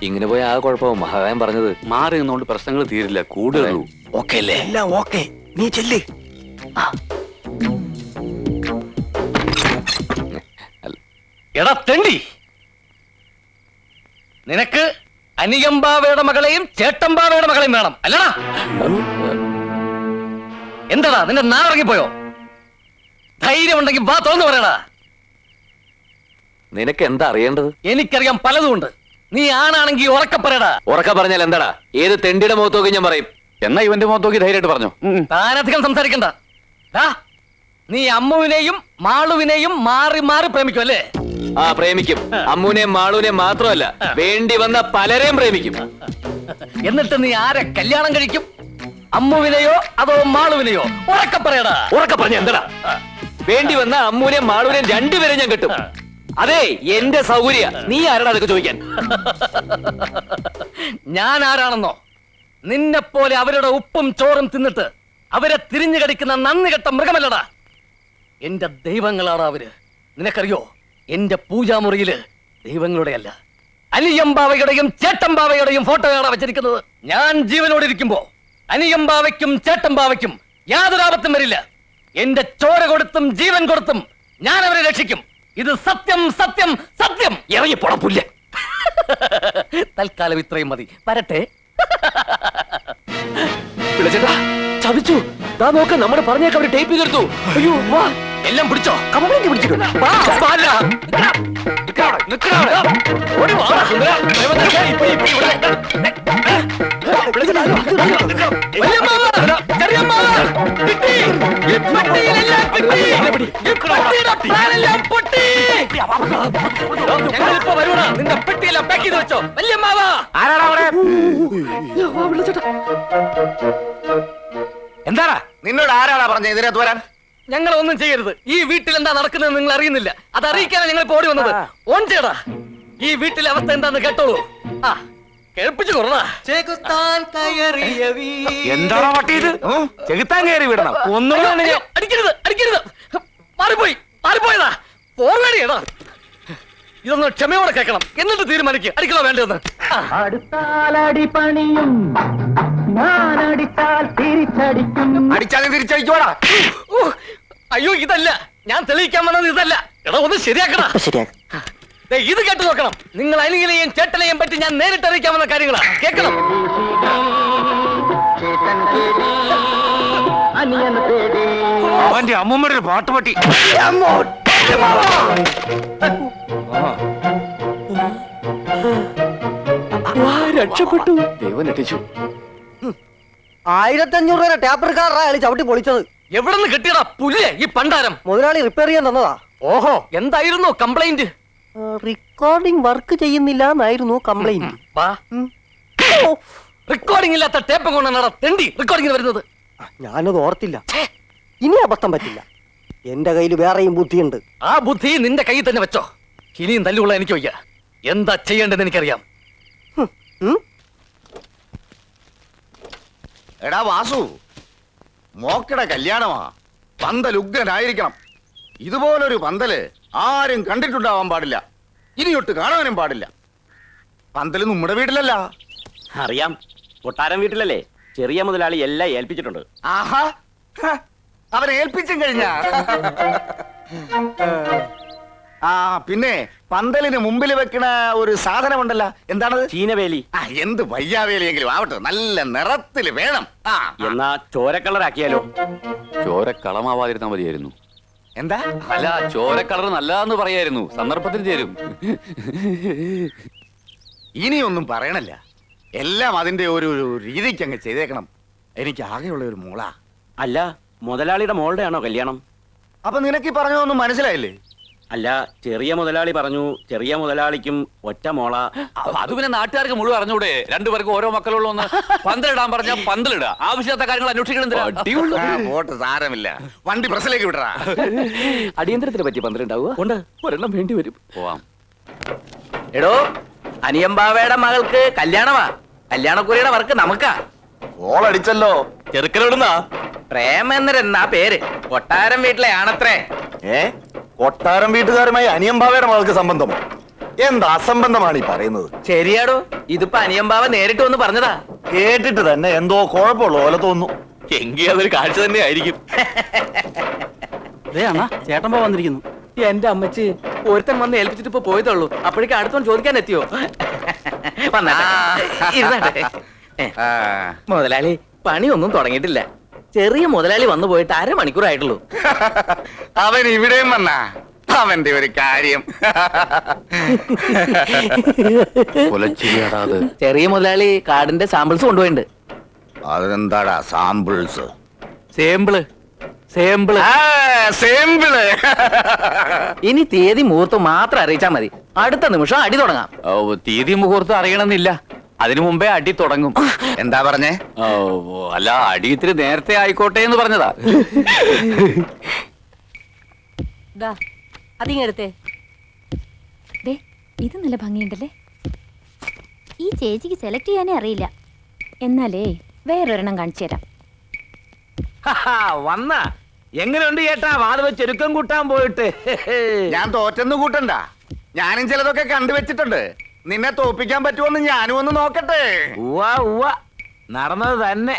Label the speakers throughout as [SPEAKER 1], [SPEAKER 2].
[SPEAKER 1] ഇങ്ങനെ പോയ ആ കുഴപ്പവും മഹാകായം പറഞ്ഞത്.
[SPEAKER 2] മാറി നിന്നുകൊണ്ട് പ്രശ്നങ്ങൾ തീരില്ല, കൂടുതലൂ.
[SPEAKER 1] ഓക്കെ അല്ലേ?
[SPEAKER 3] എല്ലാം ഓക്കെ, നീ ചെല്ലേ.
[SPEAKER 4] എടാ തെണ്ടി, നിനക്ക് അനിയമ്പാവയുടെ മകളെയും ചേട്ടമ്പാവയുടെ മകളെയും വേണം അല്ലടാ? എന്താടാ നിന്റെ നാറങ്ങിപ്പോയോ? ധൈര്യം ഉണ്ടെങ്കിൽ വാ തുറന്നു പറയടാ.
[SPEAKER 1] നിനക്ക് എന്താ അറിയേണ്ടത്?
[SPEAKER 4] എനിക്കറിയാം പലതുമുണ്ട്. നീ ആണാണെങ്കിൽ ഉറക്കെ പറയടാ.
[SPEAKER 1] ഉറക്ക പറഞ്ഞാൽ എന്താടാ? ഏത് തെണ്ടിയുടെ മുഖത്ത് നോക്കി ഞാൻ പറയും.
[SPEAKER 2] എന്നാ ഇവന്റെ മുഖത്ത് നോക്കി ധൈര്യമായിട്ട് പറഞ്ഞു.
[SPEAKER 4] താനധികം സംസാരിക്കണ്ട. നീ അമ്മുവിനെയും മാളുവിനെയും മാറി മാറി പ്രേമിക്കും അല്ലേ?
[SPEAKER 1] ആ, പ്രേമിക്കും. അമ്മുവിനെയും മാളുവിനെയും മാത്രമല്ല, വേണ്ടി വന്ന പലരെയും പ്രേമിക്കും.
[SPEAKER 4] എന്നിട്ട് നീ ആരെ കല്യാണം കഴിക്കും? അമ്മുവിനെയോ അതോ മാളുവിനെയോ? ഉറക്കെ പറയടാ.
[SPEAKER 1] ഉറക്ക പറഞ്ഞ എന്താടാ? വേണ്ടി വന്ന അമ്മുവിനെയും മാളുവിനെയും രണ്ടുപേരെ ഞാൻ കിട്ടും. അതെ, എന്റെ സൗകര്യ. നീ ആരാടാ അതൊക്കെ ചോദിക്കാൻ?
[SPEAKER 4] ഞാൻ ആരാണെന്നോ? നിന്നെ പോലെ അവരുടെ ഉപ്പും ചോറും തിന്നിട്ട് അവരെ തിരിഞ്ഞു കടിക്കുന്ന നന്ദി കെട്ട മൃഗമല്ലടാ. എന്റെ ദൈവങ്ങളാണ് അവര്. നിനക്കറിയോ, എന്റെ പൂജാമുറിയില് ദൈവങ്ങളുടെ അല്ല, അനിയമ്പാവയുടെയും ചേട്ടമ്പാവയുടെയും ഫോട്ടോയാണ് വെച്ചിരിക്കുന്നത്. ഞാൻ ജീവനോടെ ഇരിക്കുമ്പോ അനിയമ്പാവയ്ക്കും ചേട്ടമ്പാവയ്ക്കും യാതൊരു ആപത്തും വരില്ല. എന്റെ ചോര കൊടുത്തും ജീവൻ കൊടുത്തും ഞാൻ അവരെ രക്ഷിക്കും. ഇത് സത്യം, സത്യം, സത്യം.
[SPEAKER 1] ഇറങ്ങി പൊടപ്പില്ല.
[SPEAKER 4] തൽക്കാലം ഇത്രയും മതി. വരട്ടെ.
[SPEAKER 1] വിളിച്ചേട്ടാ, ചതിച്ചു. ദാ നോക്ക്, നമ്മുടെ പറഞ്ഞേക്ക് അവര് ടേപ്പ് ചെയ്തെടുത്തു. അയ്യോ, വാ.
[SPEAKER 4] എല്ലാം പിടിച്ചോ?
[SPEAKER 1] കംപ്ലൈന്റ് പിടിച്ചിട്ടുണ്ട്.
[SPEAKER 4] നിന്റെ പെട്ടിയെല്ലാം പാക്ക് ചെയ്ത് വെച്ചോ. വല്യമ്മാവാ,
[SPEAKER 3] എന്താടാ നിന്നോട് ആരാടാ പറഞ്ഞ ഇതിനകത്ത് വരാൻ?
[SPEAKER 4] ഞങ്ങൾ ഒന്നും ചെയ്യരുത്. ഈ വീട്ടിൽ എന്താ നടക്കുന്നത് നിങ്ങൾ അറിയുന്നില്ല. അത് അറിയിക്കാനാണ് ഞങ്ങൾ ഇപ്പോ ഓടി വന്നത്. ഓൺ ചെയ്യടാ. ഈ വീട്ടിലെ അവസ്ഥ എന്താന്ന് കേട്ടോളൂ. ആ, കേൾപ്പിച്ചു കൊറടാ.
[SPEAKER 3] എന്താടാ പട്ടി ഇത്? ചെകുത്താൻ കയറി വിടണം.
[SPEAKER 4] ഒന്നുകൂടെ അടിക്കരുത്, അടിക്കരുത്. മാറിപ്പോയി, മാറിപ്പോയതാ. പോവേടിയടാ. ഇതൊന്ന് ക്ഷമയോടെ കേൾക്കണം, എന്നിട്ട് തീരുമാനിക്കുക അടിക്കണോ വേണ്ടെന്ന്.
[SPEAKER 3] അടിച്ചാലും തിരിച്ചടിക്കോടാ.
[SPEAKER 4] അയ്യോ, ഇതല്ല ഞാൻ തെളിയിക്കാൻ വന്നത്. ഇതല്ല. എടാ, ഒന്ന് ശരിയാക്കടാ. ഇത് കേട്ട് നോക്കണം. നിങ്ങൾ അനിയനെയും ചേട്ടനെയും പറ്റി ഞാൻ നേരിട്ട് അറിയിക്കാവുന്ന കാര്യങ്ങളാ. കേൾക്കണം.
[SPEAKER 3] അവന്റെ അമ്മൂമ്മയുടെ ഒരു പാട്ടുപട്ടി.
[SPEAKER 1] രക്ഷപ്പെട്ടു. ദൈവം രക്ഷിച്ചു.
[SPEAKER 5] 1500 രൂപ ടാപ്പർ കാറാ അയാൾ ചവിട്ടി പൊളിച്ചത്.
[SPEAKER 4] എവിടെ നിന്ന് കിട്ടിയടാ പുല്ലേ ഈ പണ്ടാരം?
[SPEAKER 5] മുതലാളി റിപ്പയർ ചെയ്യാൻ തന്നതാ.
[SPEAKER 4] ഓഹോ, എന്തായിരുന്നു കംപ്ലൈന്റ്?
[SPEAKER 5] റെക്കോർഡിംഗ് വർക്ക് ചെയ്യുന്നില്ല എന്നായിരുന്നു കംപ്ലൈന്റ്.
[SPEAKER 4] റെക്കോർഡിംഗ് ഇല്ലാത്ത ടേപ്പ് കൊണ്ടാണ് തെണ്ടി റെക്കോർഡിംഗ് വരുന്നത്.
[SPEAKER 5] ഞാനത് ഓർത്തില്ല. ഇനി അബദ്ധം പറ്റില്ല. എന്റെ കയ്യിൽ വേറെയും ബുദ്ധിയുണ്ട്.
[SPEAKER 4] ആ ബുദ്ധി നിന്റെ കയ്യിൽ തന്നെ വെച്ചോ. ഇനിയും തല്ലുള്ള എനിക്ക് വയ്യ. എന്താ ചെയ്യേണ്ടതെന്ന് എനിക്കറിയാം.
[SPEAKER 3] എടാ വാസു, മോക്കടെ കല്യാണമാ. പന്തൽ ഉഗ്രനായിരിക്കണം. ഇതുപോലൊരു പന്തല് ആരും കണ്ടിട്ടുണ്ടാവാൻ പാടില്ല. ഇനിയൊട്ട് കാണാനും പാടില്ല. പന്തല് നമ്മുടെ വീട്ടിലല്ല.
[SPEAKER 6] അറിയാം, കൊട്ടാരം വീട്ടിലല്ലേ. ചെറിയ മുതലാളി എല്ലാം ഏൽപ്പിച്ചിട്ടുണ്ട്.
[SPEAKER 3] ആഹാ, അവനെ ഏൽപ്പിച്ചും കഴിഞ്ഞ. ആ, പിന്നെ പന്തലിന് മുമ്പിൽ വെക്കണ ഒരു സാധനമുണ്ടല്ലോ, എന്താണത്?
[SPEAKER 6] ചീനവേലി.
[SPEAKER 3] ആ, എന്ത് വയ്യാവേലിയെങ്കിലും ആവട്ടെ, നല്ല നിറത്തില് വേണം. ആ,
[SPEAKER 6] എന്നാ ചോരക്കളറാക്കിയാലോ?
[SPEAKER 2] ചോര കളമാവാതിരുന്നാ മതിയായിരുന്നു.
[SPEAKER 3] എന്താ?
[SPEAKER 2] അല്ല, ചോര കളർ നല്ലതാന്ന് പറയായിരുന്നു. സന്ദർഭത്തിന് ചേരും.
[SPEAKER 3] ഇനിയൊന്നും പറയണല്ല. എല്ലാം അതിന്റെ ഒരു രീതിക്ക് അങ്ങ് ചെയ്തേക്കണം. എനിക്ക് ആകെയുള്ള ഒരു മോള.
[SPEAKER 6] അല്ല, മുതലാളിയുടെ മോളുടെ ആണോ കല്യാണം?
[SPEAKER 3] അപ്പൊ നിനക്ക് ഈ പറഞ്ഞതൊന്നും മനസ്സിലായില്ലേ?
[SPEAKER 6] അല്ല, ചെറിയ മുതലാളി പറഞ്ഞു ചെറിയ മുതലാളിക്കും ഒറ്റ മോള.
[SPEAKER 2] അത് പിന്നെ നാട്ടുകാർക്ക് മുഴുവൻ അറിഞ്ഞൂടെ? രണ്ടുപേർക്ക് ഓരോ മക്കളുള്ള ഒന്ന് പന്തലിടാൻ പറഞ്ഞാൽ പന്തലിടുക. ആവശ്യത്തെ കാര്യങ്ങൾ അന്വേഷിക്കണം.
[SPEAKER 3] വോട്ട് സാരമില്ല. വണ്ടി പ്രസിലേക്ക് വിടറാ.
[SPEAKER 1] അടിയന്തരത്തിന് പറ്റി പന്തലുണ്ടാവുക
[SPEAKER 6] ഉണ്ട്.
[SPEAKER 1] ഒരെണ്ണം വേണ്ടി വരും.
[SPEAKER 2] പോവാം.
[SPEAKER 7] എടോ, അനിയമ്പാവയുടെ മകൾക്ക് കല്യാണമാ. കല്യാണക്കുറിയുടെ വർക്ക് നമുക്കാ.
[SPEAKER 3] ഓളടിച്ചല്ലോ.
[SPEAKER 7] ചെറുക്കനോടുന്നാ പ്രേമേന്ദ്രൻ ആ പേര്. കൊട്ടാരം വീട്ടിലെ ആണത്രേ.
[SPEAKER 3] കൊട്ടാരം വീട്ടുകാരുമായി അനിയമ്പാവയുടെ മകൾക്ക് സംബന്ധം? എന്താ അസംബന്ധമാണ് ഈ പറയുന്നത്?
[SPEAKER 7] ശരിയാടോ, ഇതിപ്പോ അനിയമ്പാവ നേരിട്ട് വന്ന് പറഞ്ഞതാ.
[SPEAKER 3] കേട്ടിട്ട് തന്നെ എന്തോ കുഴപ്പമുള്ള പോലെ തോന്നുന്നു.
[SPEAKER 2] എങ്കിൽ അതൊരു കാഴ്ച തന്നെ ആയിരിക്കും.
[SPEAKER 6] ചേട്ടൻ വന്നിരിക്കുന്നു.
[SPEAKER 7] എന്റെ അമ്മച്ചി, ഒരുത്തൻ വന്ന് ഏൽപ്പിച്ചിട്ട് ഇപ്പൊ പോയതുള്ളൂ. അപ്പോഴേക്കും അടുത്തോണ്ട് ചോദിക്കാൻ എത്തിയോ? മുതലാളി, പണിയൊന്നും തുടങ്ങിയിട്ടില്ല. ചെറിയ മുതലാളി വന്നു പോയിട്ട് 1/2 മണിക്കൂറായിട്ടുള്ളൂ.
[SPEAKER 3] അവൻ ഇവിടെയും വന്നാ അവന്റെ ഒരു കാര്യം.
[SPEAKER 7] ചെറിയ മുതലാളി കാർഡിന്റെ സാമ്പിൾസ് കൊണ്ടുപോയിട്ടുണ്ട്.
[SPEAKER 3] അതെന്താടാ സാമ്പിൾസ്?
[SPEAKER 2] Sample sample
[SPEAKER 3] sample.
[SPEAKER 7] ഇനി തീയതി മുഹൂർത്തം മാത്രം അറിയിച്ചാൽ മതി. അടുത്ത നിമിഷം അടി തുടങ്ങാം.
[SPEAKER 2] തീയതി മുഹൂർത്തം അറിയണമെന്നില്ല, അതിനു മുമ്പേ അടി തുടങ്ങും.
[SPEAKER 3] എന്താ പറഞ്ഞേ?
[SPEAKER 2] അല്ല, അടി ഇത്തിരി നേരത്തെ ആയിക്കോട്ടെ എന്ന് പറഞ്ഞതാ.
[SPEAKER 8] അതിങ്ങെടുത്തേ.
[SPEAKER 9] ഇത് നല്ല ഭംഗിയുണ്ടല്ലേ. ഈ ചേച്ചിക്ക് സെലക്ട് ചെയ്യാനേ അറിയില്ല. എന്നാലേ വേറൊരെണ്ണം കാണിച്ചു തരാം.
[SPEAKER 7] വന്ന എങ്ങനെയുണ്ട് ചേട്ടാ വാത് വെച്ച് ഒരുക്കം കൂട്ടാൻ പോയിട്ട്?
[SPEAKER 3] ഞാൻ തോറ്റെന്ന് കൂട്ടണ്ട, ഞാനും ചിലതൊക്കെ കണ്ടുവച്ചിട്ടുണ്ട്. നിന്നെ തോപ്പിക്കാൻ പറ്റുമോന്ന് ഞാനും ഒന്ന് നോക്കട്ടെ.
[SPEAKER 7] നടന്നത് തന്നെ.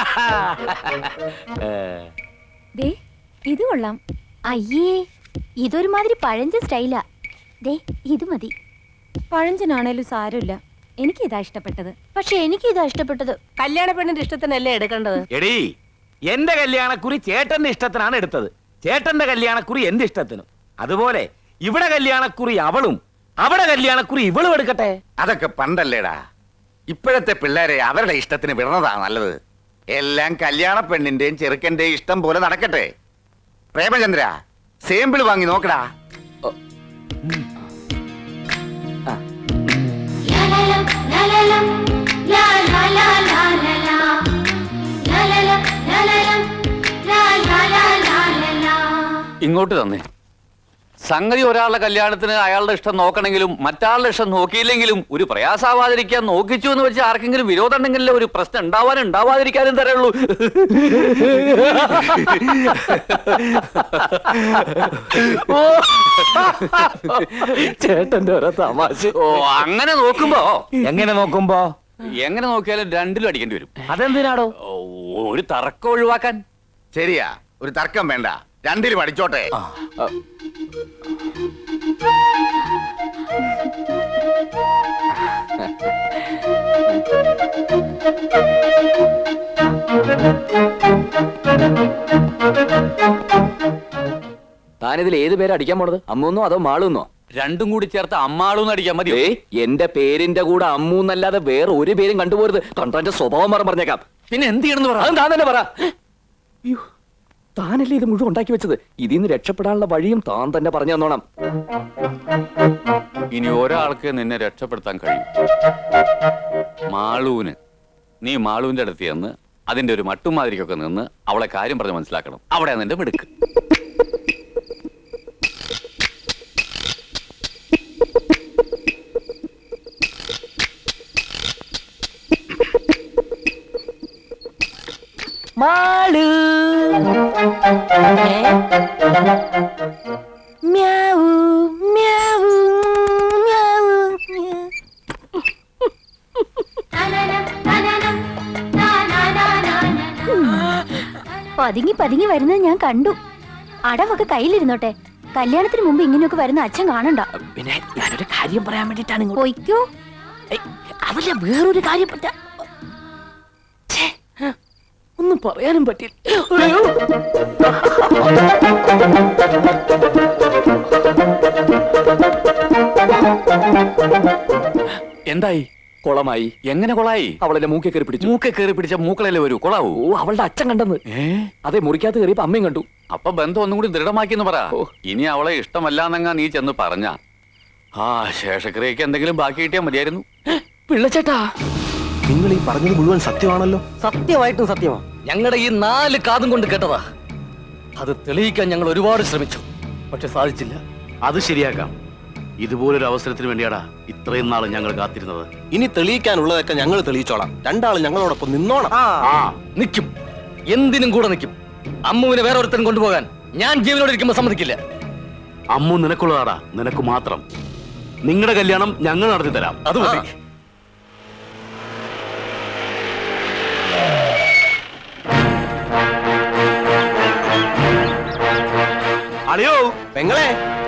[SPEAKER 9] ദേ ഇത് കൊള്ളാം. അയ്യേ, ഇതൊരുമാതിരി പഴഞ്ചൻ സ്റ്റൈലാ. ദേ ഇത് മതി. പഴഞ്ചനാണേലും സാരമില്ല, എനിക്കിതാ ഇഷ്ടപ്പെട്ടത്. പക്ഷെ എനിക്കിതാ ഇഷ്ടപ്പെട്ടത്.
[SPEAKER 8] കല്യാണ പെണ്ണിന്റെ ഇഷ്ടത്തിനല്ലേ എടുക്കേണ്ടത്?
[SPEAKER 7] എടീ, എന്റെ കല്യാണക്കുറി ചേട്ടന്റെ ഇഷ്ടത്തിനാണ് എടുത്തത്. ചേട്ടന്റെ കല്യാണക്കുറി എന്റെ ഇഷ്ടത്തിനും. അതുപോലെ ഇവിടെ കല്യാണക്കുറി അവളും, അവിടെ കല്യാണക്കുറി ഇവളും എടുക്കട്ടെ.
[SPEAKER 3] അതൊക്കെ പണ്ടല്ലേടാ. ഇപ്പോഴത്തെ പിള്ളേരെ അവരുടെ ഇഷ്ടത്തിന് വിടുന്നതാ നല്ലത്. എല്ലാം കല്യാണ പെണ്ണിന്റെയും ചെറുക്കന്റെയും ഇഷ്ടം പോലെ നടക്കട്ടെ. പ്രേമചന്ദ്ര, സാമ്പിൾ വാങ്ങി നോക്കടാ.
[SPEAKER 2] ഇങ്ങോട്ട് തന്നെ. സംഗതി ഒരാളുടെ കല്യാണത്തിന് അയാളുടെ ഇഷ്ടം നോക്കണമെങ്കിലും മറ്റാളുടെ ഇഷ്ടം നോക്കിയില്ലെങ്കിലും ഒരു പ്രയാസാവാതിരിക്കാൻ നോക്കിച്ചു എന്ന് വെച്ച് ആർക്കെങ്കിലും വിരോധം ഉണ്ടെങ്കിലേ ഒരു പ്രശ്നം ഉണ്ടാവാതിരിക്കാനും തരുള്ളൂ.
[SPEAKER 4] ചേട്ടന്റെ ഓരോ തമാശ.
[SPEAKER 2] ഓ, അങ്ങനെ നോക്കുമ്പോ
[SPEAKER 7] എങ്ങനെ നോക്കുമ്പോ?
[SPEAKER 2] എങ്ങനെ നോക്കിയാലും രണ്ടിലും അടിക്കേണ്ടി വരും.
[SPEAKER 7] അതെന്തിനാടോ?
[SPEAKER 2] ഓ, ഒരു തർക്കം ഒഴിവാക്കാൻ.
[SPEAKER 3] ശരിയാ, ഒരു തർക്കം വേണ്ട, രണ്ടിലും അടിച്ചോട്ടെ.
[SPEAKER 1] താനിതിൽ ഏത് പേര് അടിക്കാൻ പോണത്? അമ്മൂന്നോ അതോ മാളൂന്നോ?
[SPEAKER 2] രണ്ടും കൂടി ചേർത്ത് അമ്മാളൂന്ന് അടിക്കാൻ മതി.
[SPEAKER 1] എന്റെ പേരിന്റെ കൂടെ അമ്മൂന്നല്ലാതെ വേറെ ഒരു പേരും കണ്ടുപോരുത്. കണ്ടോന്റെ സ്വഭാവം പറഞ്ഞേക്കാം.
[SPEAKER 2] പിന്നെ എന്ത് ചെയ്യണമെന്ന് പറ.
[SPEAKER 1] അത് താൻ തന്നെ പറ. അയ്യോ, താനല്ലേ ഇത് മുഴുവൻ ഉണ്ടാക്കി വെച്ചത്. ഇതിൽ നിന്ന് രക്ഷപ്പെടാനുള്ള വഴിയും താൻ തന്നെ പറഞ്ഞു തന്നോണം.
[SPEAKER 2] ഇനി ഒരാൾക്ക് നിന്നെ രക്ഷപ്പെടുത്താൻ കഴിയും. മാളൂന്. നീ മാളൂന്റെ അടുത്ത് ചെന്ന് അതിന്റെ ഒരു മട്ടുമാതിരിക്കൊക്കെ നിന്ന് അവളെ കാര്യം പറഞ്ഞ് മനസ്സിലാക്കണം. അവിടെ നിന്റെ മിടുക്ക്.
[SPEAKER 8] മാളു മ്യാവൂ മ്യാവൂ മ്യാവൂ.
[SPEAKER 9] പതുങ്ങി പതുങ്ങി വരുന്നത് ഞാൻ കണ്ടു. അടവൊക്കെ കയ്യിലിരുന്നോട്ടെ. കല്യാണത്തിന് മുമ്പ് ഇങ്ങനെയൊക്കെ വരുന്ന അച്ഛൻ കാണണ്ട.
[SPEAKER 8] പിന്നെ ഞാനൊരു കാര്യം പറയാൻ വേണ്ടിട്ടാണ് ഇങ്ങോട്ട്.
[SPEAKER 9] പൊയ്ക്കോ.
[SPEAKER 8] അതല്ല, വേറൊരു കാര്യം പറ്റാ. ഒന്നും പറയാനും പറ്റില്ല.
[SPEAKER 2] എന്തായി?
[SPEAKER 1] കൊളമായി.
[SPEAKER 2] എങ്ങനെ കൊളായി?
[SPEAKER 1] അവളെന്നെ മൂക്കെ കയറി പിടിച്ചു.
[SPEAKER 2] മൂക്കെ കയറി പിടിച്ച മൂക്കളല്ലേ വരൂ. കൊളാവൂ.
[SPEAKER 1] ഓ, അവളുടെ അച്ഛൻ കണ്ടെന്ന്. അതെ, മുറിക്കകത്ത് കയറിയപ്പോ അമ്മയും കണ്ടു.
[SPEAKER 2] അപ്പൊ ബന്ധം ഒന്നും കൂടി ദൃഢമാക്കിന്ന് പറ. ഇനി അവളെ ഇഷ്ടമല്ലാന്നെങ്ങാ നീ ചെന്ന് പറഞ്ഞ ആ ശേഷക്രിയക്ക് എന്തെങ്കിലും ബാക്കി കിട്ടിയാൽ മതിയായിരുന്നു.
[SPEAKER 1] പിള്ളച്ചേട്ടാ,
[SPEAKER 5] നിങ്ങൾ ഈ പറഞ്ഞത് മുഴുവൻ സത്യമാണല്ലോ? സത്യമായിട്ടും സത്യമാ.
[SPEAKER 4] ഞങ്ങളുടെ ഈ 4 കാതും കൊണ്ട് കേട്ടതാ. അത് തെളിയിക്കാൻ ഞങ്ങൾ ഒരുപാട് ശ്രമിച്ചു, പക്ഷെ സാധിച്ചില്ല.
[SPEAKER 6] അത് ശരിയാക്കാം. ഇതുപോലൊരു അവസരത്തിന് വേണ്ടിയാടാ ഇത്രയും നാൾ ഞങ്ങൾ കാത്തിരുന്നത്.
[SPEAKER 5] ഇനി തെളിയിക്കാനുള്ളതൊക്കെ ഞങ്ങൾ തെളിയിച്ചോളാം. രണ്ടാളും ഞങ്ങളോടൊപ്പം നിന്നോണം.
[SPEAKER 4] നിൽക്കും, എന്തിനും കൂടെ നിൽക്കും. അമ്മുവിനെ വേറെ ഒരുത്തരും കൊണ്ടുപോകാൻ ഞാൻ ജീവനോട് ഇരിക്കുമ്പോ സമ്മതിക്കില്ല.
[SPEAKER 6] അമ്മു നിനക്കുള്ളതാടാ, നിനക്ക് മാത്രം.
[SPEAKER 7] നിങ്ങളുടെ കല്യാണം ഞങ്ങൾ നടത്തി തരാം. അത് മതി. അളിയോ
[SPEAKER 5] പെങ്ങളെ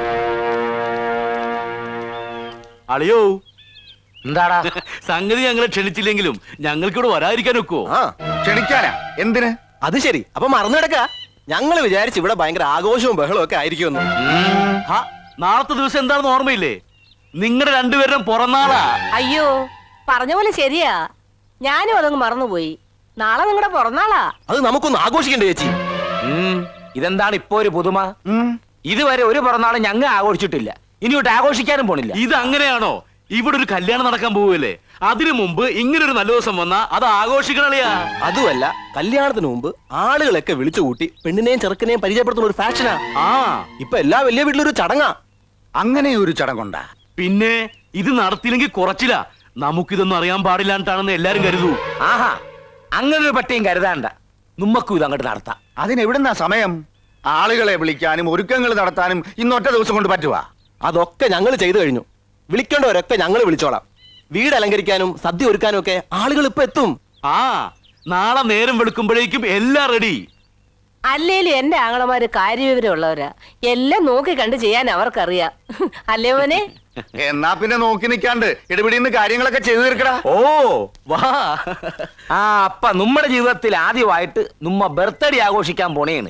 [SPEAKER 7] അളിയോ,
[SPEAKER 4] എന്താടാ?
[SPEAKER 7] സംഗതി ഞങ്ങളെ ക്ഷണിച്ചില്ലെങ്കിലും ഞങ്ങൾക്കിവിടെ വരാതിരിക്കാൻ ഒക്കുവോ?
[SPEAKER 5] ആ
[SPEAKER 3] ക്ഷണിക്കാനാ? എന്തിന്?
[SPEAKER 5] അത് ശരി. അപ്പൊ മറന്നു കിടക്ക. ഞങ്ങൾ വിചാരിച്ചു ഇവിടെ ഭയങ്കര ആഘോഷവും ബഹളവും ഒക്കെ ആയിരിക്കുമെന്ന്.
[SPEAKER 7] ഹാ, നാളത്തെ ദിവസം എന്താണെന്ന് ഓർമ്മയില്ലേ? നിങ്ങളുടെ രണ്ടുപേരും പിറന്നാളാ.
[SPEAKER 10] അയ്യോ, പറഞ്ഞ പോലെ ശരിയാ. ഞാനും അതങ്ങ് മറന്നുപോയി. നാളെ നിങ്ങളുടെ പിറന്നാളാ.
[SPEAKER 5] അത് നമുക്കൊന്ന് ആഘോഷിക്കണ്ടേ ചേച്ചി?
[SPEAKER 4] ഇതെന്താണ് ഇപ്പൊ ഒരു പുതുമ? ഇതുവരെ ഒരു പിറന്നാളും ഞങ്ങൾ ആഘോഷിച്ചിട്ടില്ല. ഇനിയോട്ട് ആഘോഷിക്കാനും പോണില്ല.
[SPEAKER 7] ഇത് അങ്ങനെയാണോ? ഇവിടെ ഒരു കല്യാണം നടക്കാൻ പോവുകയല്ലേ, അതിനു മുമ്പ് ഇങ്ങനൊരു നല്ല ദിവസം വന്നാ അത് ആഘോഷിക്കണളിയാ.
[SPEAKER 5] അതുമല്ല, കല്യാണത്തിന് മുമ്പ് ആളുകളൊക്കെ വിളിച്ചു കൂട്ടി പെണ്ണിനെയും ചെറുക്കനെയും പരിചയപ്പെടുത്തുന്ന ഒരു ഫാഷനാ.
[SPEAKER 7] ആ,
[SPEAKER 5] ഇപ്പൊ എല്ലാ വലിയ വീട്ടിലൊരു ചടങ്ങാ.
[SPEAKER 3] അങ്ങനെ ഒരു ചടങ്ങുണ്ടാ?
[SPEAKER 7] പിന്നെ ഇത് നടത്തിയില്ലെങ്കിൽ കുറച്ചില്ല. നമുക്കിതൊന്നും അറിയാൻ പാടില്ലാണ്ടാണെന്ന് എല്ലാരും കരുതൂ.
[SPEAKER 4] ആഹാ, അങ്ങനെ ഒരു പട്ടിയും കരുതാണ്ട. നമ്മക്കും ഇത് അങ്ങോട്ട് നടത്താം.
[SPEAKER 3] അതിനെവിടുന്നാ സമയം? ആളുകളെ വിളിക്കാനും ഒരുക്കങ്ങൾ നടത്താനും ഇന്നൊറ്റ ദിവസം കൊണ്ട് പറ്റുവാ?
[SPEAKER 5] അതൊക്കെ ഞങ്ങൾ ചെയ്തു കഴിഞ്ഞു. വിളിക്കേണ്ടവരൊക്കെ ഞങ്ങൾ വിളിച്ചോളാം. വീട് അലങ്കരിക്കാനും സദ്യ ഒരുക്കാനും ഒക്കെ ആളുകൾ ഇപ്പൊ എത്തും.
[SPEAKER 7] ആ, നാളെ നേരം വെളുക്കുമ്പോഴേക്കും എല്ലാം റെഡി.
[SPEAKER 10] അല്ലേലും എന്റെ ആങ്ങളമാര് കാര്യവിവരം ഉള്ളവരാ. എല്ലാം നോക്കി കണ്ട് ചെയ്യാൻ അവർക്കറിയാം. അല്ലേ മോനെ?
[SPEAKER 3] എന്നാ പിന്നെ നോക്കി നിൽക്കാണ്ട് ഇടപെടിന്ന് കാര്യങ്ങളൊക്കെ ചെയ്തു തീർക്കടാ.
[SPEAKER 7] ഓ വാ.
[SPEAKER 4] ആ, അപ്പ നമ്മുടെ ജീവിതത്തിൽ ആദ്യമായിട്ട് നമ്മ ബർത്ത്ഡേ ആഘോഷിക്കാൻ പോണേണ്.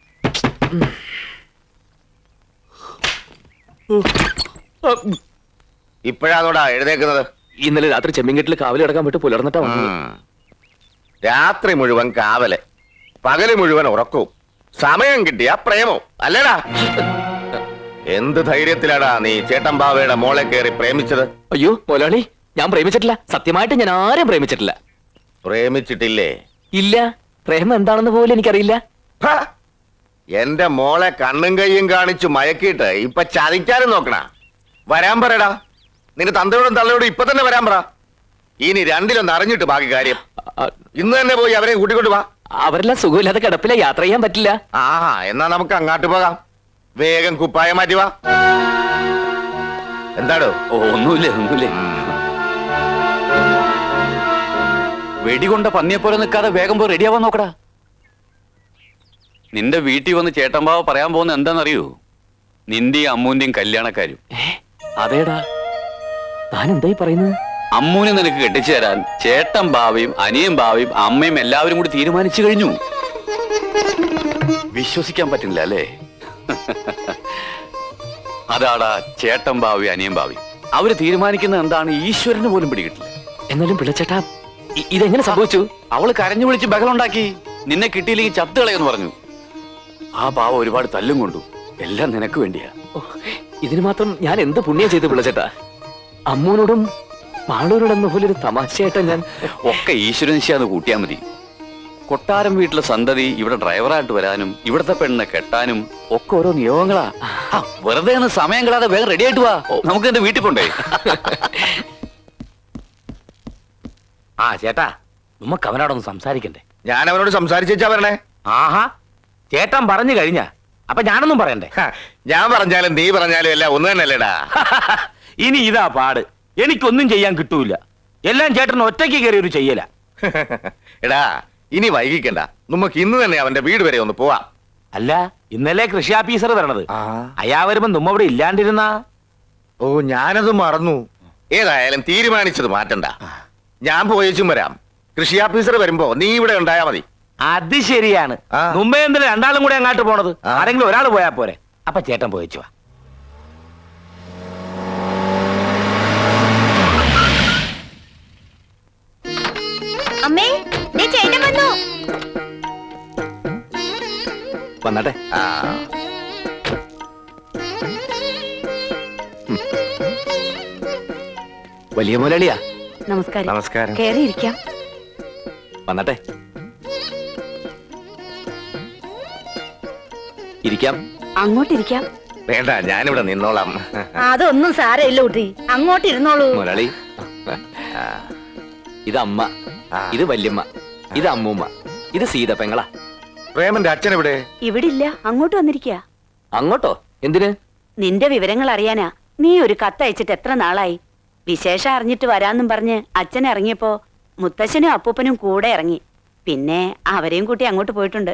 [SPEAKER 3] ഇപ്പോഴാണോടാ എഴുന്നേക്കുന്നത്?
[SPEAKER 1] ഇന്നലെ രാത്രി ചെമ്മീൻകെട്ടിൽ കാവലി കിടക്കാൻ വിട്ട് പുലർന്നിട്ടാ വന്നത്.
[SPEAKER 3] രാത്രി മുഴുവൻ കാവല്, പകല് മുഴുവൻ ഉറക്കവും, സമയം കിട്ടിയ പ്രേമവും അല്ലേടാ? എന്ത് ധൈര്യത്തിലാടാ നീ ചേട്ടൻ ബാവയുടെ മോളെ കയറി പ്രേമിച്ചത്?
[SPEAKER 1] അയ്യോ മുതലാളി, ഞാൻ പ്രേമിച്ചിട്ടില്ല. സത്യമായിട്ട് ഞാൻ ആരും പ്രേമിച്ചിട്ടില്ല.
[SPEAKER 3] പ്രേമിച്ചിട്ടില്ലേ?
[SPEAKER 1] ഇല്ല, പ്രേമം എന്താണെന്ന് പോലും എനിക്കറിയില്ല.
[SPEAKER 3] ഹ! എന്റെ മോളെ കണ്ണും കയ്യും കാണിച്ചു മയക്കിയിട്ട് ഇപ്പൊ ചതിക്കാനും നോക്കണ. വരാൻ പറയടാ, നിന്റെ തന്തയോടും തള്ളയോടും ഇപ്പൊ തന്നെ വരാൻ പറ. ഇനി രണ്ടിലൊന്ന് അറിഞ്ഞിട്ട് ബാക്കി കാര്യം. ഇന്ന് തന്നെ പോയി അവരെ കൂട്ടിക്കൊണ്ട് വാ.
[SPEAKER 1] അവരെല്ലാം സുഖമില്ലാതെ കിടപ്പില, യാത്ര ചെയ്യാൻ പറ്റില്ല.
[SPEAKER 3] ആഹാ, എന്നാ നമുക്ക് അങ്ങാട്ട് പോകാം. വേഗം കുപ്പായ മാറ്റി വാ. എന്താടോ?
[SPEAKER 2] ഒന്നുമില്ല, ഒന്നുമില്ല. വെടികൊണ്ട പന്നിയെപ്പോലെ നിൽക്കാതെ വേഗം പോയി റെഡിയാവാൻ നോക്കടാ. നിന്റെ വീട്ടിൽ വന്ന് ചേട്ടമ്പാവ പറയാൻ പോകുന്ന എന്താണെന്നറിയൂ? നിന്റെയും അമ്മൂന്റെയും കല്യാണക്കാരും.
[SPEAKER 1] അതേടാ, താൻ എന്തായി പറയുന്നത്?
[SPEAKER 2] അമ്മൂനെ നിനക്ക് കെട്ടിച്ചു തരാൻ ചേട്ടൻ ബാവയും അനിയൻ ബാവയും അമ്മയും എല്ലാവരും കൂടി തീരുമാനിച്ചു കഴിഞ്ഞു. വിശ്വസിക്കാൻ പറ്റുന്നില്ല അല്ലേ? അതാടാ ചേട്ടൻ ബാവയും അനിയൻ ബാവയും. അവര് തീരുമാനിക്കുന്നത് എന്താണ് ഈശ്വരന് പോലും പിടികിട്ടില്ല.
[SPEAKER 1] എന്നാലും പിള്ളച്ചേട്ടാ, ഇതെങ്ങനെ സംഭവിച്ചു?
[SPEAKER 2] അവള് കരഞ്ഞു വിളിച്ച് ബഹളുണ്ടാക്കി. നിന്നെ കിട്ടിയില്ലെങ്കിൽ ചത്ത് കളയെന്ന് പറഞ്ഞു. ആ ബാവ ഒരുപാട് തല്ലും കൊണ്ടു. എല്ലാം നിനക്ക് വേണ്ടിയാ.
[SPEAKER 1] ഓ, ഇതിന് മാത്രം ഞാൻ എന്ത് പുണ്യം ചെയ്തു പിള്ളച്ചേട്ടാ? അമ്മൂനോടും മാളൂരോടെന്ന പോലെ ഒരു തമാശയായിട്ടാ ഞാൻ.
[SPEAKER 2] ഒക്കെ ഈശ്വരനിശ്ചയാന്ന് കൂട്ടിയാ മതി. കൊട്ടാരം വീട്ടിലെ സന്തതി ഇവിടെ ഡ്രൈവറായിട്ട് വരാനും ഇവിടത്തെ പെണ്ണിനെ കെട്ടാനും ഒക്കെ ഓരോ നിയോഗങ്ങളാ. വെറുതെ ഒന്ന് സമയം കളാതെ വേഗം റെഡി ആയിട്ട് വാ. നമുക്ക് എന്റെ വീട്ടിൽ പോണ്ടേ?
[SPEAKER 4] ആ ചേട്ടാ, നമുക്ക് അവനോടൊന്ന് സംസാരിക്കണ്ടേ?
[SPEAKER 3] ഞാൻ അവനോട് സംസാരിച്ചാ വരണേ.
[SPEAKER 4] ആഹാ, ചേട്ടൻ പറഞ്ഞു കഴിഞ്ഞ അപ്പൊ ഞാനൊന്നും പറയണ്ടേ?
[SPEAKER 3] ഹ, ഞാൻ പറഞ്ഞാലും നീ പറഞ്ഞാലും എല്ലാം ഒന്ന് തന്നെയല്ലേടാ?
[SPEAKER 4] ഇനി ഇതാ പാട്. എനിക്കൊന്നും ചെയ്യാൻ കിട്ടൂല. എല്ലാം ചേട്ടൻ ഒറ്റയ്ക്ക് കയറി ഒരു ചെയ്യല.
[SPEAKER 3] എടാ, ഇനി വൈകിക്കണ്ട. നമുക്ക് ഇന്ന് തന്നെ അവന്റെ വീട് വരെ ഒന്ന് പോവാം.
[SPEAKER 4] അല്ല, ഇന്നലെ കൃഷി ഓഫീസർ വരണത്. അയാ വരുമ്പോ നമ്മ ഇവിടെ ഇല്ലാണ്ടിരുന്ന.
[SPEAKER 3] ഓ, ഞാനത് മറന്നു. ഏതായാലും തീരുമാനിച്ചത് മാറ്റണ്ട. ഞാൻ പോയേച്ചും വരാം. കൃഷി ഓഫീസർ വരുമ്പോ നീ ഇവിടെ ഉണ്ടായാ മതി.
[SPEAKER 4] അത് ശരിയാണ്.
[SPEAKER 3] ആ.
[SPEAKER 4] മുമ്പേ എന്തിനാ രണ്ടാളും കൂടെ അങ്ങാട്ട് പോണത്?
[SPEAKER 3] ആ.
[SPEAKER 4] ആരെങ്കിലും ഒരാൾ പോയാ പോരെ. അപ്പൊ ചേട്ടൻ പോയിച്ചു വാ.
[SPEAKER 9] അമ്മേ, ദേ ചേട്ടൻ വന്നു.
[SPEAKER 1] വന്നാട്ടെ.
[SPEAKER 3] ആ,
[SPEAKER 1] വലിയ മുതലാളിയാ.
[SPEAKER 9] നമസ്കാരം.
[SPEAKER 3] നമസ്കാരം.
[SPEAKER 9] കേറിയിരിക്കാം.
[SPEAKER 1] വന്നാട്ടെ. ഇരിക്കാം.
[SPEAKER 9] അങ്ങോട്ടിരിക്കാം.
[SPEAKER 3] വേണ്ട, ഞാനിവിടെ നിന്നോളാം.
[SPEAKER 10] അതൊന്നും സാരമില്ല കുട്ടി, അങ്ങോട്ട് ഇരുന്നോളൂ.
[SPEAKER 1] മുതലാളി, ഇത് അമ്മ,
[SPEAKER 3] ആ.
[SPEAKER 1] ഇത് വല്യമ്മ, ഇത് അമ്മൂമ്മ, ഇത് സീത പെങ്ങളാ.
[SPEAKER 3] പ്രേമന്റെ അച്ഛൻ എവിടെ?
[SPEAKER 9] ഇവിടെ ഇല്ല, അങ്ങോട്ട് വന്നിരിക്കുക.
[SPEAKER 1] അങ്ങോട്ടോ? എന്തിന്?
[SPEAKER 9] നിന്റെ വിവരങ്ങൾ അറിയാനാ.
[SPEAKER 11] നീ ഒരു കത്തയച്ചിട്ട് എത്ര നാളായി? വിശേഷം അറിഞ്ഞിട്ട് വരാന്നും പറഞ്ഞ് അച്ഛൻ ഇറങ്ങിയപ്പോ മുത്തശ്ശനും അപ്പൂപ്പനും കൂടെ ഇറങ്ങി. പിന്നെ അവരെയും കൂട്ടി അങ്ങോട്ട് പോയിട്ടുണ്ട്.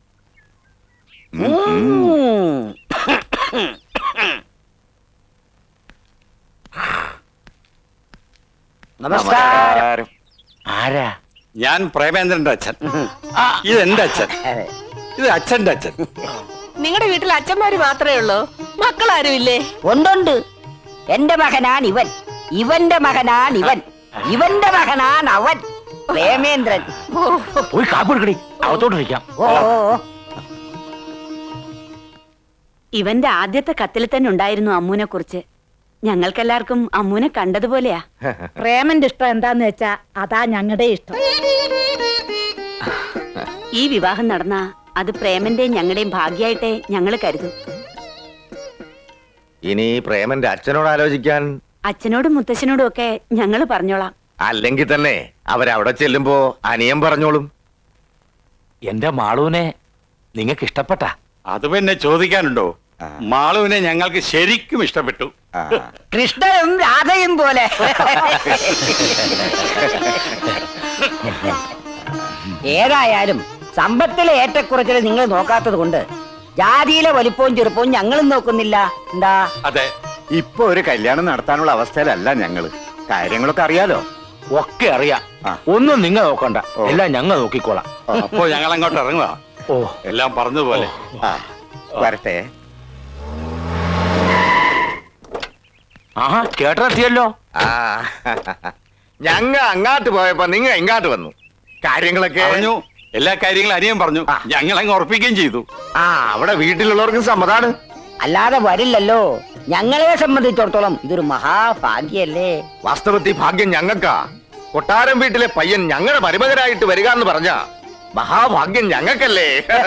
[SPEAKER 4] നമസ്കാരം.
[SPEAKER 7] ആരാ?
[SPEAKER 6] ഞാൻ പ്രേമേന്ദ്രന്റെ അച്ഛൻ. ഇത് എന്റെ അച്ഛൻ. ഇത് അച്ഛന്റെ അച്ഛൻ.
[SPEAKER 10] നിങ്ങളുടെ വീട്ടിൽ അച്ഛന്മാര് മാത്രമേ ഉള്ളൂ, മക്കളാരും ഇല്ലേ?
[SPEAKER 11] ഉണ്ടുണ്ട്. എന്റെ മകനാണ് ഇവൻ, ഇവന്റെ മകനാണ് ഇവൻ, ഇവന്റെ മകനാണ് അവൻ, പ്രേമേന്ദ്രൻ.
[SPEAKER 7] പോയി കാപ്പിടുക്കടി, അകത്തോട്ടിരിക്കാം.
[SPEAKER 11] ഇവന്റെ ആദ്യത്തെ കത്തിൽ തന്നെ ഉണ്ടായിരുന്നു അമ്മൂനെ കുറിച്ച്. ഞങ്ങൾക്കെല്ലാവർക്കും അമ്മൂനെ കണ്ടതുപോലെയാ.
[SPEAKER 8] പ്രേമന്റെ ഇഷ്ടം എന്താന്ന് വെച്ചാ അതാ ഞങ്ങളുടെ ഇഷ്ടം.
[SPEAKER 11] ഈ വിവാഹം നടന്ന അത് പ്രേമന്റെയും ഞങ്ങളുടെയും ഭാഗ്യായിട്ടേ ഞങ്ങൾ കരുതും.
[SPEAKER 3] ഇനി പ്രേമന്റെ അച്ഛനോട് ആലോചിക്കാൻ.
[SPEAKER 11] അച്ഛനോടും മുത്തശ്ശനോടും ഒക്കെ ഞങ്ങൾ പറഞ്ഞോളാം.
[SPEAKER 3] അല്ലെങ്കിൽ തന്നെ അവരവിടെ ചെല്ലുമ്പോ അനിയൻ പറഞ്ഞോളും.
[SPEAKER 7] എന്റെ മാളൂനെ നിങ്ങൾക്ക് ഇഷ്ടപ്പെട്ട?
[SPEAKER 6] അത് പിന്നെ ചോദിക്കാനുണ്ടോ? മാളുവിനെ ഞങ്ങൾക്ക് ശരിക്കും ഇഷ്ടപ്പെട്ടു.
[SPEAKER 11] കൃഷ്ണനും രാധയും പോലെ. ഏതായാലും സമ്പത്തിലെ ഏറ്റക്കുറച്ചിൽ നിങ്ങൾ നോക്കാത്തത് കൊണ്ട് ജാതിയിലെ വലിപ്പവും ചെറുപ്പവും ഞങ്ങളും നോക്കുന്നില്ല. എന്താ?
[SPEAKER 6] അതെ, ഇപ്പൊ ഒരു കല്യാണം നടത്താനുള്ള അവസ്ഥയിലല്ല ഞങ്ങള്. കാര്യങ്ങളൊക്കെ അറിയാലോ.
[SPEAKER 7] ഒക്കെ അറിയാം. ഒന്നും നിങ്ങൾ നോക്കണ്ട, എല്ലാം ഞങ്ങൾ നോക്കിക്കോളാം.
[SPEAKER 6] അപ്പോ ഞങ്ങൾ അങ്ങോട്ട് ഇറങ്ങുക.
[SPEAKER 7] ഓ,
[SPEAKER 6] എല്ലാം പറഞ്ഞതുപോലെ.
[SPEAKER 3] വരട്ടെ.
[SPEAKER 7] ആഹാ, ചേട്ടനെത്തിയല്ലോ.
[SPEAKER 3] ആ ഞങ്ങ അങ്ങാട്ട് പോയപ്പോ നിങ്ങ ഇങ്ങാട്ട് വന്നു. കാര്യങ്ങളൊക്കെ
[SPEAKER 6] പറഞ്ഞു. എല്ലാ കാര്യങ്ങളും അനിയൻ പറഞ്ഞു. ഞങ്ങൾ അങ്ങ് ഉറപ്പിക്കുകയും ചെയ്തു.
[SPEAKER 3] അവിടെ വീട്ടിലുള്ളവർക്കും സമ്മതാണ്.
[SPEAKER 11] അല്ലാതെ വരില്ലല്ലോ. ഞങ്ങളെ സംബന്ധിച്ചിടത്തോളം ഇതൊരു മഹാഭാഗ്യല്ലേ.
[SPEAKER 3] വാസ്തവത്തിൽ ഭാഗ്യം ഞങ്ങൾക്കാ. കൊട്ടാരം വീട്ടിലെ പയ്യൻ ഞങ്ങളുടെ മരുമകനായിട്ട് വരിക എന്ന് പറഞ്ഞ മഹാഭാഗ്യം ഞങ്ങൾക്കല്ലേ.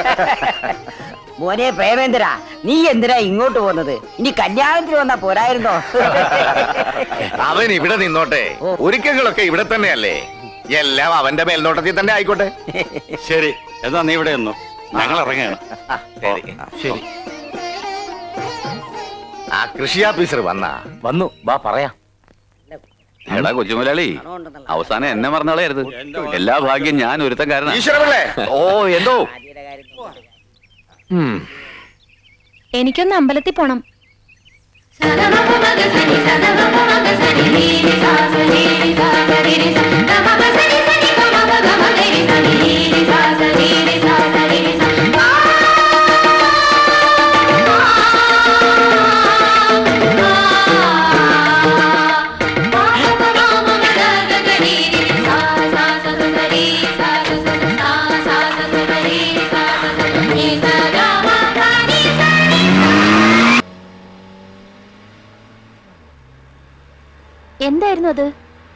[SPEAKER 11] മോനെ പ്രേമേന്ദ്ര, നീ എന്തിനാ ഇങ്ങോട്ട് പോകുന്നത്? ഇനി കല്യാണത്തിന് വന്നാ പോരായിരുന്നോ?
[SPEAKER 3] അവൻ ഇവിടെ നിന്നോട്ടെ, ഒരുക്കങ്ങളൊക്കെ ഇവിടെ തന്നെയല്ലേ. എല്ലാം അവന്റെ മേൽനോട്ടത്തിൽ തന്നെ ആയിക്കോട്ടെ.
[SPEAKER 6] ശരി, എന്നാ നീ ഇവിടെ നിന്നു. ഞങ്ങൾ ഇറങ്ങുകയാണ്.
[SPEAKER 7] ശരി.
[SPEAKER 3] ആ കൃഷി ഓഫീസർ
[SPEAKER 7] വന്നു, വാ പറയാം.
[SPEAKER 2] എടാ കൊച്ചുമുലാളി, അവസാനം എന്നെ മറന്നാളായിരുന്നു. എല്ലാ ഭാഗ്യം ഞാൻ ഒരുത്തക്കാരനാ.
[SPEAKER 3] ഈശ്വരമല്ലേ.
[SPEAKER 2] ഓ, എന്തോ?
[SPEAKER 9] എനിക്കൊന്ന് അമ്പലത്തിൽ പോണം. എന്തായിരുന്നു അത്?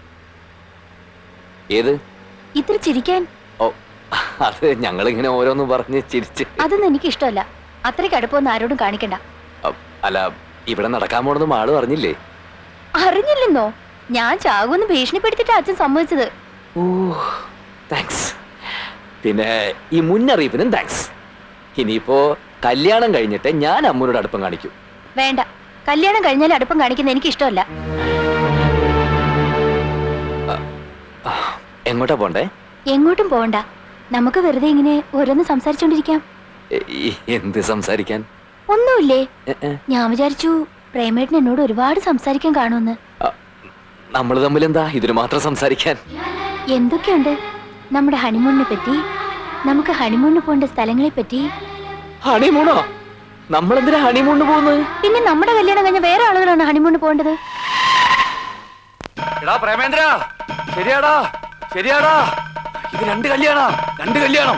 [SPEAKER 1] ഏത്?
[SPEAKER 9] ഇത്ര ചിരിക്കാൻ?
[SPEAKER 1] ഓ, അത് ഞങ്ങളിങ്ങനെ ഓരോന്ന് പറഞ്ഞ് ചിരിച്ച്.
[SPEAKER 9] അതൊന്നും എനിക്ക് ഇഷ്ടമല്ല. അത്രയ്ക്ക് അടുപ്പമൊന്നും ആരോടും കാണിക്കണ്ട.
[SPEAKER 1] അല്ല, ഇവിടെ നടക്കാൻ പോണെന്ന് മാള് അറിഞ്ഞില്ലേ?
[SPEAKER 9] അറിഞ്ഞില്ലെന്നോ? ഞാൻ ചാകുമെന്ന് ഭീഷണിപ്പെടുത്തിട്ട് അച്ഛൻ സമ്മതിച്ചത്.
[SPEAKER 1] ഓ, താങ്ക്സ്. പിന്നെ ഈ മുന്നറിയിപ്പിനും താങ്ക്സ്. ഇനിയിപ്പോ കല്യാണം കഴിഞ്ഞിട്ട് ഞാൻ അമ്മൂനോട് അടുപ്പം കാണിക്കും.
[SPEAKER 9] വേണ്ട, കല്യാണം കഴിഞ്ഞാൽ അടുപ്പം കാണിക്കുന്ന എനിക്ക് ഇഷ്ടമല്ല.
[SPEAKER 1] എങ്ങോട്ടാ പോണ്ടേ?
[SPEAKER 9] എങ്ങോട്ടും പോകണ്ട. നമുക്ക് വെറുതെ ഇങ്ങനെ ഓരോന്ന് സംസാരിച്ചോണ്ടിരിക്കാം.
[SPEAKER 1] എന്ത് സംസാരിക്കാൻ?
[SPEAKER 9] ഒന്നുമില്ലേ. ഞാൻ വിചാരിച്ചു പ്രേമേട്ടൻ എന്നോട് ഒരുപാട് സംസാരിക്കാൻ കാണുമെന്ന്.
[SPEAKER 1] നമ്മൾ തമ്മിൽ എന്താ ഇതിന് മാത്രം സംസാരിക്കാൻ?
[SPEAKER 9] എന്തൊക്കെയുണ്ട്. നമ്മുടെ ഹണിമൂണിനെ പറ്റി, നമുക്ക് ഹണിമൂണിന് പോകേണ്ട സ്ഥലങ്ങളെ പറ്റി.
[SPEAKER 1] ഹണിമൂണോ? നമ്മളെന്തിനാ ഹണിമൂണിന് പോകുന്നത്?
[SPEAKER 9] പിന്നെ നമ്മുടെ കല്യാണം കഴിഞ്ഞ വേറെ ആളുകളാണ് ഹണിമൂണിന് പോകേണ്ടത്.
[SPEAKER 2] എടാ പ്രേമേന്ദ്ര, ശരിയാടാ ശരിയാടാ, ഇത് രണ്ട് കല്യാണം.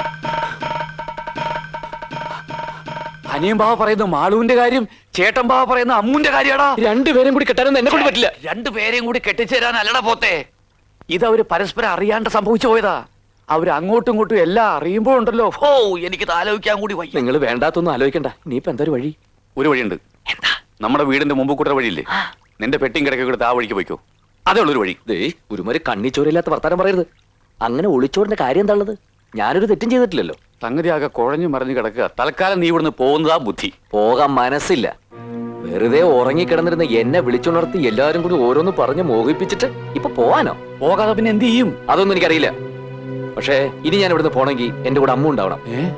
[SPEAKER 2] അനിയൻ ബാവ പറയുന്ന മാളുവിന്റെ കാര്യം, ചേട്ടൻ ബാവ പറയുന്ന അമ്മൂന്റെ കാര്യാടാ.
[SPEAKER 1] രണ്ടുപേരും കൂടി കെട്ടാനൊന്നും എന്നെ കൊണ്ട് പറ്റില്ല.
[SPEAKER 2] രണ്ടുപേരെയും കൂടി കെട്ടിച്ചേരാൻ അല്ലടാ പോത്തെ. ഇത് അവര് പരസ്പരം അറിയാണ്ട് സംഭവിച്ചു പോയതാ. അവര് അങ്ങോട്ടും ഇങ്ങോട്ടും എല്ലാം അറിയുമ്പോഴുണ്ടല്ലോ, ഓ എനിക്കിത് ആലോചിക്കാൻ കൂടി വയ്യ.
[SPEAKER 1] നിങ്ങൾ വേണ്ടാത്തൊന്നും ആലോചിക്കണ്ട. ഇനിയിപ്പോ എന്താ ഒരു വഴി?
[SPEAKER 2] ഒരു വഴിയുണ്ട്. എന്താ? നമ്മുടെ വീടിന്റെ മുമ്പ് കൂട്ടർ വഴിയില്ലേ, നിന്റെ പെട്ടിയും കിടക്കെ കൊടുത്ത് ആ വഴിക്ക് പോയിക്കോ. അതേ ഉള്ളൊരു വഴി.
[SPEAKER 1] ഒരുമാതിരി കണ്ണിച്ചോരില്ലാത്ത വർത്താനം പറയരുത്. അങ്ങനെ ഒളിച്ചോറിന്റെ കാര്യം എന്താ ഉള്ളത്? ഞാനൊരു തെറ്റും ചെയ്തിട്ടില്ലല്ലോ.
[SPEAKER 2] സംഗതി ആകെ കുഴഞ്ഞു മറിഞ്ഞു കിടക്കുക. തൽക്കാലം നീ ഇവിടുന്ന് പോകുന്നതാ ബുദ്ധി.
[SPEAKER 1] പോകാൻ മനസ്സില്ല. വെറുതെ ഉറങ്ങിക്കിടന്നിരുന്ന എന്നെ വിളിച്ചുണർത്തി എല്ലാരും കൂടി ഓരോന്ന് പറഞ്ഞ് മോഹിപ്പിച്ചിട്ട് ഇപ്പൊ പോവാനോ?
[SPEAKER 2] പോകാതെ പിന്നെ എന്ത് ചെയ്യും?
[SPEAKER 1] അതൊന്നും എനിക്കറിയില്ല. പക്ഷേ ഇനി ഞാൻ ഇവിടുന്ന് പോണെങ്കിൽ എന്റെ കൂടെ അമ്മ ഉണ്ടാവണം.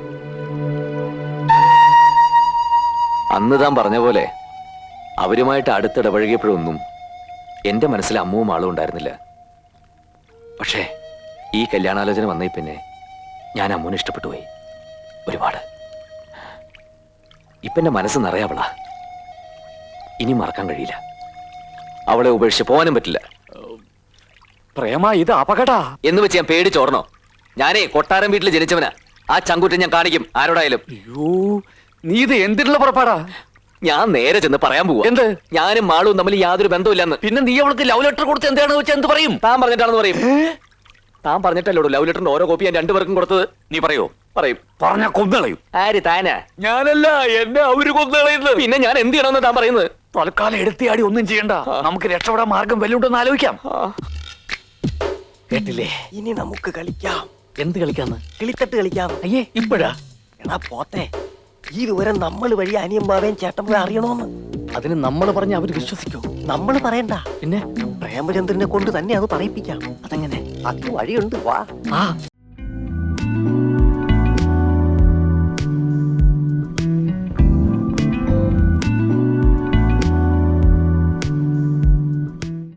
[SPEAKER 1] അന്ന് താൻ പറഞ്ഞ പോലെ അവരുമായിട്ട് അടുത്തിടപഴകിയപ്പോഴൊന്നും എന്റെ മനസ്സിൽ അമ്മുവും ആളും ഉണ്ടായിരുന്നില്ല. പക്ഷേ ഈ കല്യാണാലോചന വന്നേ പിന്നെ ഞാൻ അമ്മുവിനെ ഇഷ്ടപ്പെട്ടു പോയി ഒരുപാട്. ഇപ്പൊ എന്റെ മനസ്സ് നിറയാവളാ. ഇനി മറക്കാൻ കഴിയില്ല. അവളെ ഉപേക്ഷിച്ച് പോകാനും പറ്റില്ല.
[SPEAKER 2] പ്രേമ, ഇത് അപകടാ.
[SPEAKER 1] എന്ന് വെച്ച് ഞാൻ പേടിച്ചോർണോ? ഞാനേ കൊട്ടാരം വീട്ടിൽ ജനിച്ചവനാ. ആ ചങ്കൂറ്റം ഞാൻ കാണിക്കും ആരോടായാലും.
[SPEAKER 2] അയ്യോ, നീ ഇത് എന്തിനുള്ള പുറപ്പാടാ?
[SPEAKER 1] ഞാൻ നേരെ ചെന്ന് പറയാൻ പോവാ.
[SPEAKER 2] എന്ത്?
[SPEAKER 1] ഞാനും മാളും തമ്മിൽ യാതൊരു ബന്ധമില്ലെന്ന്.
[SPEAKER 2] പിന്നെ നീ അവൾക്ക് ലവ് ലെറ്റർ കൊടുത്ത് എന്താണെന്ന് വെച്ചാൽ എന്ത് പറയും?
[SPEAKER 1] താൻ പറഞ്ഞിട്ടാണെന്ന് പറയും. താൻ പറഞ്ഞിട്ടല്ലോ ലവ് ലെറ്ററിന്റെ ഓരോ കോപ്പി ഞാൻ രണ്ടുപേർക്കും കൊടുത്തത്.
[SPEAKER 2] നീ പറയോ?
[SPEAKER 1] പറയും.
[SPEAKER 2] പറഞ്ഞ കൊന്നുകളയും.
[SPEAKER 1] ആര്? താനാ?
[SPEAKER 2] ഞാനല്ല, എന്നെ അവര് കൊന്നുകളയുന്നത്.
[SPEAKER 1] പിന്നെ ഞാൻ എന്ത് ചെയ്യണമെന്ന് താൻ പറയുന്നത്?
[SPEAKER 2] തൽക്കാലം എടുത്തിയാടി ഒന്നും ചെയ്യണ്ട. നമുക്ക് രക്ഷപ്പെടാൻ മാർഗം വല്ലുണ്ടെന്ന് ആലോചിക്കാം.
[SPEAKER 4] കേട്ടില്ലേ?
[SPEAKER 5] ഇനി നമുക്ക് കളിക്കാം.
[SPEAKER 4] എന്ത് കളിക്കാന്ന്?
[SPEAKER 5] കിളിത്തട്ട് കളിക്കാം.
[SPEAKER 4] അയ്യേ, ഇപ്പോഴാ?
[SPEAKER 5] എടാ പോത്തെ, ഈ വിവരം നമ്മൾ വഴി അനിയമ്മാവേം ചേട്ടൻ അറിയണോന്ന്.
[SPEAKER 4] അതിന് നമ്മൾ പറഞ്ഞ അവര് വിശ്വസിക്കോ?
[SPEAKER 5] നമ്മൾ പറയണ്ട,
[SPEAKER 4] പിന്നെ
[SPEAKER 5] പ്രേമചന്ദ്രനെ കൊണ്ട് തന്നെ അത് പറയിപ്പിക്കാം.
[SPEAKER 4] അതെങ്ങനെ?
[SPEAKER 5] അത് വഴിയുണ്ട്, വാ.
[SPEAKER 4] ആ